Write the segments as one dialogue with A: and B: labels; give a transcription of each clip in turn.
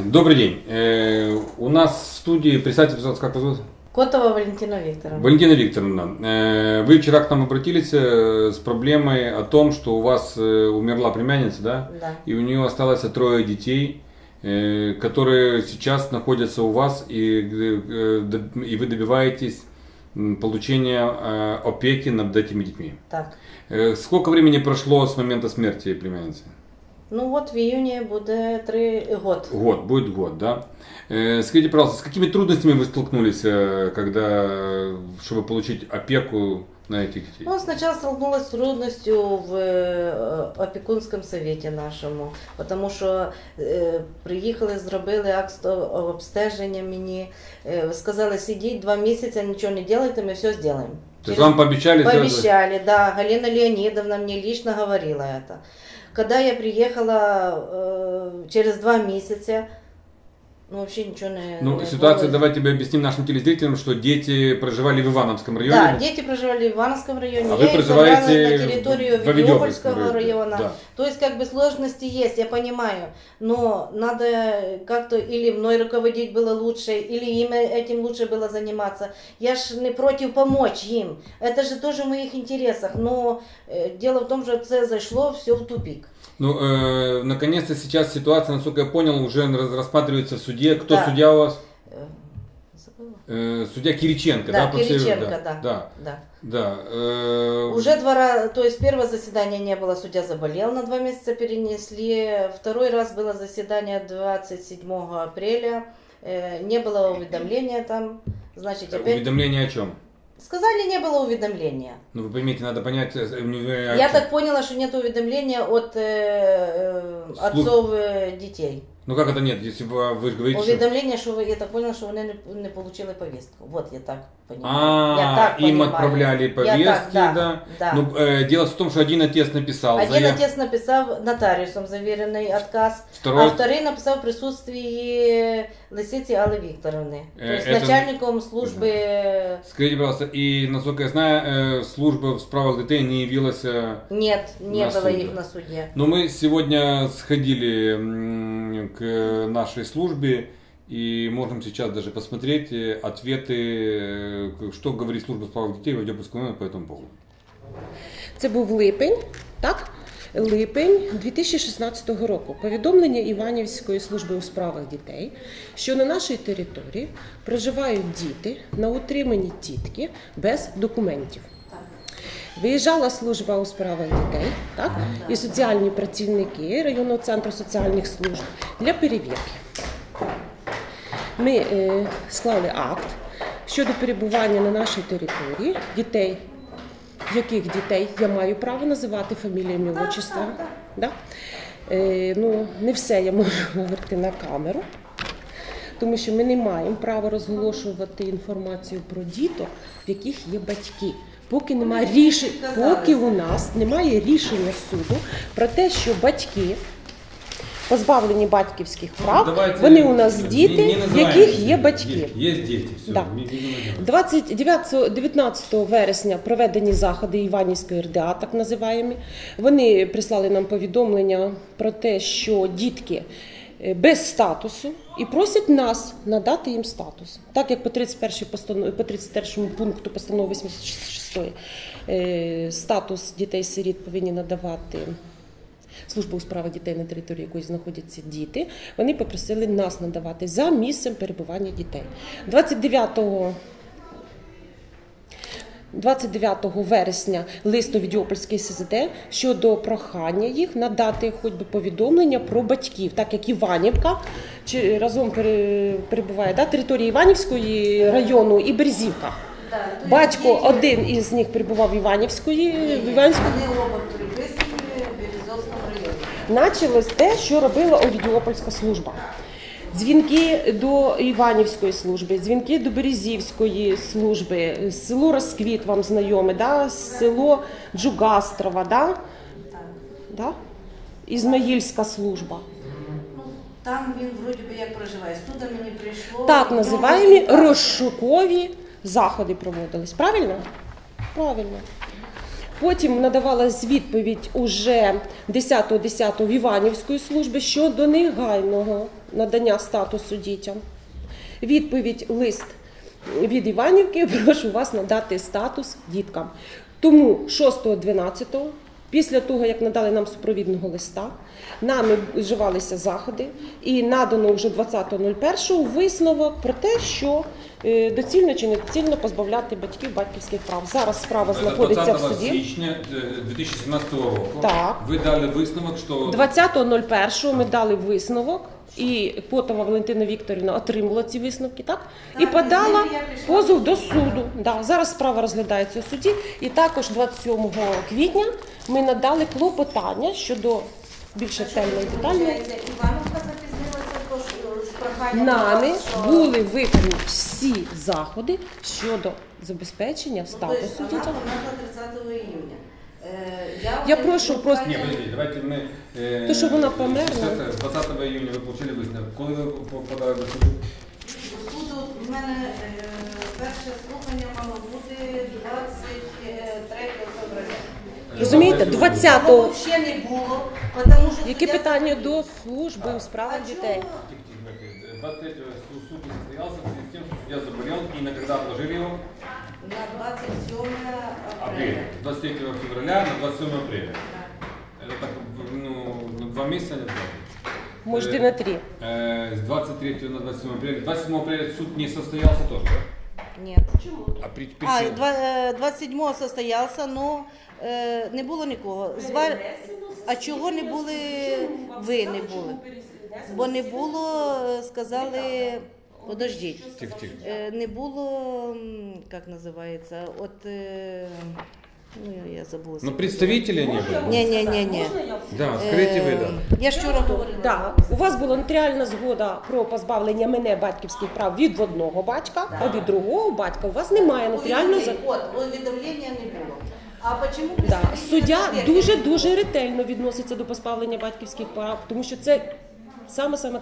A: Добрый день. У нас в студии, представьте, как вас зовут?
B: Котова Валентина Викторовна.
A: Валентина Викторовна, вы вчера к нам обратились с проблемой о том, что у вас умерла племянница, да?
B: Да.
A: И у нее осталось 3 детей, которые сейчас находятся у вас, и вы добиваетесь получения опеки над этими детьми.
B: Так.
A: Сколько времени прошло с момента смерти племянницы?
B: Ну вот в июне будет 3 года.
A: Будет год, да. Скажите, пожалуйста, с какими трудностями вы столкнулись, чтобы получить опеку на этих детей?
B: Ну, сначала столкнулась с трудностью в опікунському совете нашому, тому що приїхали, зробили акт обстеження мені, сказали, сидіть 2 місяці, нічого не делайте, ми все зробимо.
A: То есть вам пообещали?
B: Пообещали, да. Галина Леонидовна мне лично говорила это. Когда я приехала через 2 месяца, ну вообще ничего не...
A: Ну, ситуация, давайте тебе объясним нашим телезрителям, что дети проживали в Ивановском районе.
B: Да, дети проживали в Ивановском районе.
A: А
B: я
A: вы проживаете
B: на территорию Ведёпольского района.
A: Да.
B: То есть как бы сложности есть, я понимаю, но надо как-то или мной руководить было лучше, или им этим лучше было заниматься. Я ж не против помочь им, это же тоже в моих интересах, но дело в том, что это зашло все в тупик.
A: Ну, наконец-то сейчас ситуация, насколько я понял, уже рассматривается в суде. Кто
B: да.
A: судья у вас? Судья Кириченко, да?
B: Да, Кириченко,
A: да.
B: Уже 2 раза, то есть первое заседание не было, судья заболел, на 2 месяца перенесли. Второй раз было заседание 27 апреля, не было уведомления там, значит опять...
A: Уведомление о чем?
B: Сказали, не было уведомления.
A: Ну, вы поймите, надо понять...
B: Я так поняла, что нет уведомления от отцов детей.
A: Ну как это нет, если вы же говорите,
B: уведомление, что я так поняла, что они не получили повестку. Вот я так понимаю.
A: Им отправляли повестки,
B: да.
A: Ну, дело в том, что один отец написал.
B: Отец написал нотариусом заверенный отказ, а второй написал в присутствии Лисицы Аллы Викторовны, то есть начальником службы...
A: Скажите, пожалуйста, и, насколько я знаю, служба в справах детей не явилась...
B: Нет, не было их на суде.
A: Но мы сегодня сходили к нашей службе и можем сейчас даже посмотреть ответы, что говорит служба в справах детей в Ведёпольському районі по этому поводу.
C: Це був липень, так? Липень 2016 року. Повідомлення Іванівської служби у справах дітей, що на нашій території проживають діти на утриманні тітки без документів. Виїжджала служба у справах дітей, так? І соціальні працівники районного центру соціальних служб для перевірки. Ми склали акт щодо перебування на нашій території дітей. Яких дітей я маю право називати фаміліями, отчества. Да? Ну, не все я можу говорити на камеру, тому що ми не маємо права розголошувати інформацію про діток, в яких є батьки. Поки у нас немає рішення суду про те, що батьки позбавлені батьківських прав, вони у нас діти, в яких є батьки.
A: Є діти, все.
C: Да. 19 вересня проведені заходи Іванівської РДА, так називаємо. Вони прислали нам повідомлення про те, що дітки без статусу і просять нас надати їм статус. Так як по 31 пункту постанови 86 статус дітей-сиріт повинні надавати служба у справах дітей, на території якої знаходяться діти, вони попросили нас надавати за місцем перебування дітей. 29 вересня лист до Ведёпольської СЗД щодо прохання їх надати хоч би повідомлення про батьків, так як Іванівка разом перебуває, да, територія Іванівської району і Березівка. Батько один із них перебував в Іванівської.
B: Вони оба приписані в Березовському районі.
C: Началось те, що робила Ведёпольська служба. Дзвінки до Іванівської служби, дзвінки до Березівської служби, село Розквіт вам знайоме, да? Село Джугастрова, да? Да? Ізмаїльська служба.
B: Там він вроді би як проживає, туди мені прийшло...
C: Так називаємо розшукові заходи проводились, правильно? Правильно. Потім надавалась відповідь уже 10.10 в Іванівської служби щодо негайного надання статусу дітям. Відповідь лист від Іванівки: прошу вас надати статус діткам. Тому 6.12, після того, як надали нам супровідного листа, нами вживалися заходи і надано вже 20.01 висновок про те, що доцільно чи недоцільно позбавляти батьків батьківських прав. Зараз справа знаходиться в
A: 20
C: суді.
A: січня 2017 року
C: Так.
A: ви дали висновок, що
C: 20.01 ми дали висновок, і Потова Валентина Вікторівна отримала ці висновки, так? І подала позов до суду. Да, зараз справа розглядається у суді. І також 27 квітня ми надали клопотання щодо більш ретельної і детальної.
B: Івановка запізнилася, тож з проханням
C: Нами
B: до вас, що-
C: були виконані всі заходи щодо забезпечення статусу
B: Тобто вона
C: дітям.
B: померла 30 июня.
C: Я прошу просто-
A: Ні, подождіть, давайте ми...
C: То, що вона померла.
A: 20 июня ви отримали висновок. Коли ви подали до суду?
B: До суду в мене перше слухання мало бути 23 февраля.
C: Розумієте,
B: Його
C: 20-го.
B: взагалі не було, тому що...
C: Яке
B: суддя-
C: питання до служби у справах дітей?
A: 23-го суд не состоялся в связи с тем, что судья заболел, и на когда отложили его?
B: На 27
A: Апреля.
B: апреля.
A: 23 февраля на 27 апреля. Это так, ну, на 2 месяца не было.
C: Може, і на 3.
A: С 23 на 27 апреля. 27 апреля суд не состоялся тоже, да?
B: Нет.
A: А
B: А,
A: причина?
B: 27-го состоявся, но не було нікого. А чого не були, ви не були? Бо не було, сказали, подождіть,
A: Тихо, тихо.
B: не було, як називається, ну я забула.
A: Ну, представителей не было?
B: Ні.
A: Да, скажите вы, да.
B: Я ж вчора говорила.
C: Так, у вас була нотаріальна згода про позбавлення мене батьківських прав від одного батька, а від другого батька у вас немає нотаріальної згоди.
B: От, увідомлення не було. А чому
C: Да.
B: представителі
C: Суддя
B: суб'єктів?
C: дуже ретельно відноситься до позбавлення батьківських прав, тому що це саме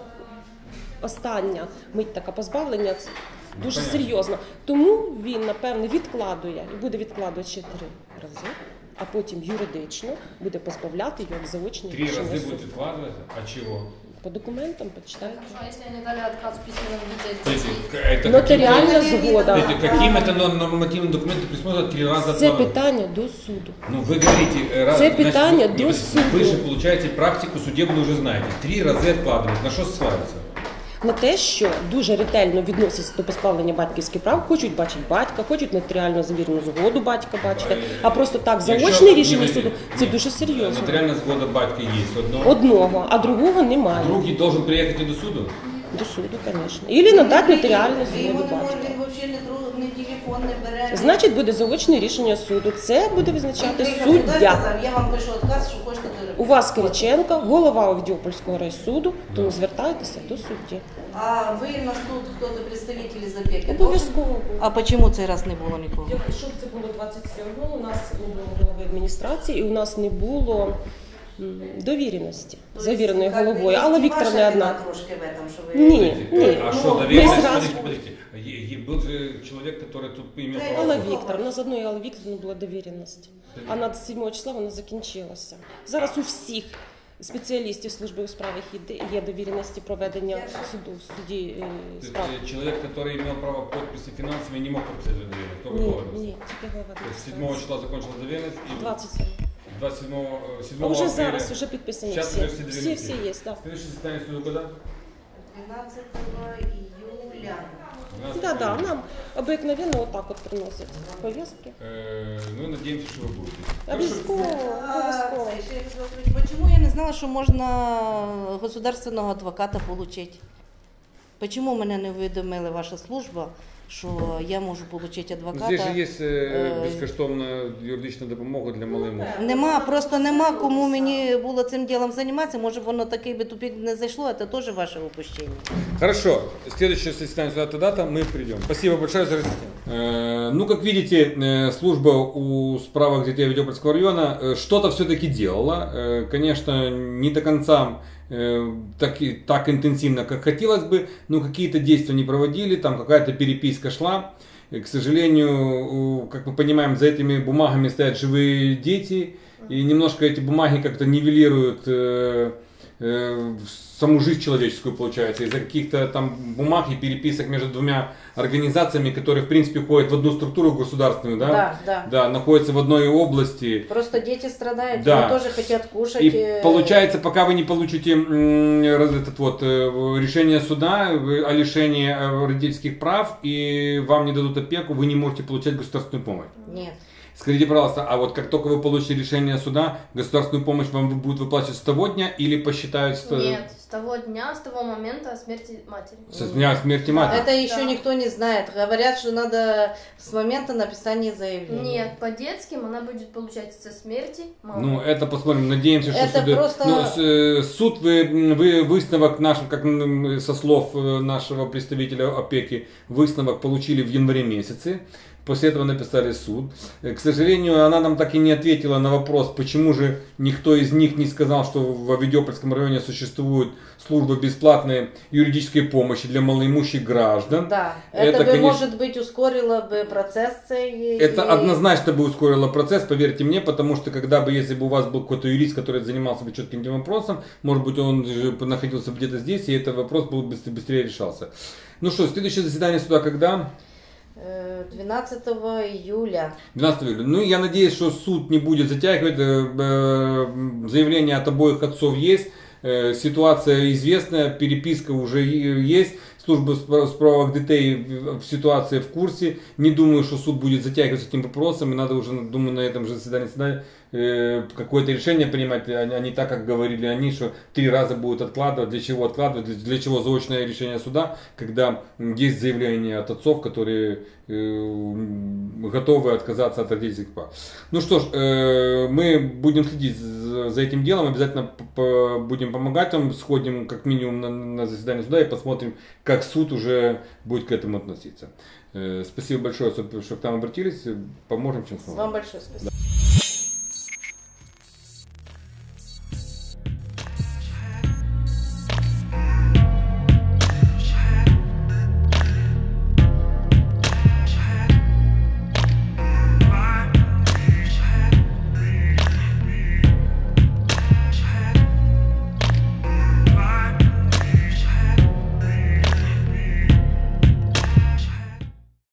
C: остання мить така позбавлення, це дуже
A: понятно.
C: серйозно. Тому він, напевне, відкладує і буде відкладувати ще 3 рази, а потім юридично буде позбавляти його як заочне
A: 3
C: рішення
A: раза
C: суду.
A: будет откладываться? А чего?
C: По документам почитайте.
D: Хорошо, а если они дали отказ в письменном виде?
A: Это
C: Нотаріальна
B: каким-
C: згода.
A: Каким это нормативным документом присмотрят 3 раза
C: Це
A: откладывать?
C: питання до суду.
A: Ну, вы говорите, раз,
C: Це питання
A: вы,
C: до
A: вы
C: суду.
A: же получаете практику судебную, уже знаете. 3 раза откладывать. На что ссылаются?
C: На те, що дуже ретельно відносяться до позбавлення батьківських прав, хочуть бачити батька, хочуть нотаріально завірену згоду батька бачити, а просто так заочне рішення суду це дуже серйозно.
A: Нотариальная сгода батька есть одно.
C: Одного, а другого немає.
A: Другий должен приехать и до суду?
C: До суду, звісно. Ілі надати нотаріальну
B: Ви його
C: згоду
B: не можете,
C: батька.
B: він взагалі не телефон не бере.
C: Значить, буде заочне рішення суду. Це буде визначати
B: Він
C: суддя.
B: сказав, я вам пишу отказ, що хочете до
C: У вас Кириченко, голова Овідіопольського райсуду, тому звертайтеся до судді.
B: А ви на суд, хто-то представителі з опеки?
C: Обов'язково.
B: А чому цей раз не було нікого?
C: Якщо б це було 27-го, у нас не було голови адміністрації і у нас не було довіреності, завіреної головою. Алла Вікторовна не одна.
B: Трошки в этом, що ви...
C: Ні, ні.
A: А
C: Ну,
A: что,
C: ми
A: наверное,
C: зразу-
A: подождите. Был же человек, который тут имел право.
C: Алла Вікторовна, з одної Алли Вікторовни була довіреність, а на 7 числа вона закінчилася. Зараз у всіх спеціалістів служби у справах є довіреності проведення суду в суді
A: То есть,
C: справ.
A: человек, который имел право подписи финансовой, не мог подписать доверенность. Кто
C: Ні,
A: доверенность?
C: ні, тільки голова
A: То есть 7
C: адміністрації.
A: числа закончилась доверенность и
C: 27.
A: 27
C: А вже
A: апреля.
C: зараз вже підписані
A: Сейчас
C: всі.
A: уже все
C: Всі
A: доверенности.
C: є, так.
A: Следующее заседание суда когда?
B: 12 июля.
A: 12
C: Да,
A: июля.
C: нам обыкновенно вот так вот приносят повестки.
A: Ну, надеемся, что вы будете.
C: Обов'язково, обов'язково.
B: Ще я хотіла сказати, Чому я не знала, що можна государственного адвоката отримати? Чому мене не повідомила ваша служба, що я можу отримати адвоката?
A: Здесь же есть безкоштовна юридична допомога для малих.
B: Нема, просто нема кому мені було цим ділом займатися. Може, воно такий би тупик не зайшло, це теж ваше упущення.
A: Хорошо, следующее заседание суда дата, мы придем. Спасибо большое за разъяснение. Ну, как видите, служба у справок детей Овидиопольского района что-то все-таки делала. Конечно, не до конца так интенсивно, как хотелось бы, но какие-то действия не проводили, там какая-то переписка шла. к сожалению, как мы понимаем, за этими бумагами стоят живые дети, и немножко эти бумаги как-то нивелируют саму жизнь человеческую, получается, из-за каких-то там бумаг и переписок между двумя организациями, которые, в принципе, входят в одну структуру государственную, да? Да, находятся в одной области.
B: Просто дети страдают,
A: да.
B: они тоже хотят кушать.
A: И получается, пока вы не получите решение суда о лишении родительских прав и вам не дадут опеку, вы не можете получать государственную помощь.
B: Нет.
A: Скажите, пожалуйста, а вот как только вы получите решение суда, государственную помощь вам будут выплачивать с того дня или посчитают...
D: Нет, с того дня, с того момента смерти матери.
A: Со дня смерти матери?
B: Это еще никто не знает. Говорят, что надо с момента написания заявления.
D: Нет, по детским она будет получать со смерти мамы.
A: Ну, это посмотрим. Надеемся, что
B: это
A: суды...
B: просто...
A: суд, вы высновок наш, как со слов нашего представителя опеки, высновок получили в январе месяце. После этого написали суд. К сожалению, она нам так и не ответила на вопрос, почему же никто из них не сказал, что в Авдеопольском районе существует служба бесплатной юридической помощи для малоимущих граждан.
B: Да, это бы, конечно, может быть, ускорило бы процесс.
A: Это однозначно бы ускорило процесс, поверьте мне, потому что если бы у вас был какой-то юрист, который занимался бы четким этим вопросом, может быть, он же находился где-то здесь, и этот вопрос был быстрее решался. Ну что, следующее заседание суда когда?
B: 12 июля.
A: 12 июля. Ну, я надеюсь, что суд не будет затягивать. Заявление от обоих отцов есть. Ситуация известная, переписка уже есть. Служба справок детей в ситуации в курсе. Не думаю, что суд будет затягивать с этим вопросом. И надо уже, думаю, на этом же заседании суда какое-то решение принимать, а не так, как говорили они, что 3 раза будут откладывать. Для чего откладывать? Для чего заочное решение суда, когда есть заявление от отцов, которые готовы отказаться от родительских прав. Ну что ж, мы будем следить за этим делом, обязательно будем помогать вам, сходим как минимум на заседание суда и посмотрим, как суд уже будет к этому относиться. Спасибо большое, что к нам обратились, поможем, чем сможем.
B: Вам большое спасибо. Да.